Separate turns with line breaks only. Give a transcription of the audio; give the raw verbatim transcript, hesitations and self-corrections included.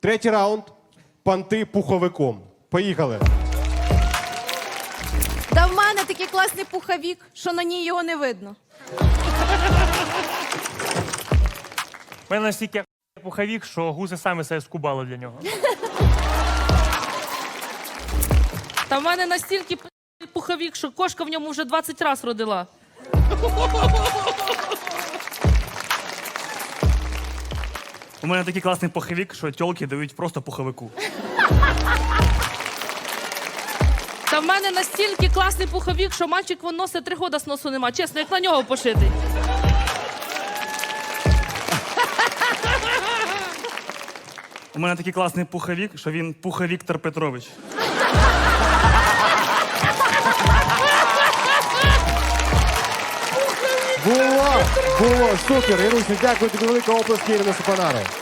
Третій раунд. Панти пуховиком. Поїхали.
Да в мене такий класний пуховік, що на ній його не видно.
У мене настільки пуховік, що гуси самі себе скубали для нього.
Та в мене настільки пуховік, що кошка в ньому вже двадцять разів родила.
У мене такий класний пуховік, що тьолки дають просто пуховику.
Та в мене настільки класний пуховік, що мальчик вон носить три года з носу нема. Чесно, як на нього пошитий.
У мене такий класний пуховік, що він Пуха Віктор Петрович.
Було, було, супер. Ірусю, дякую тобі велике оплески, Ірина Супанаро.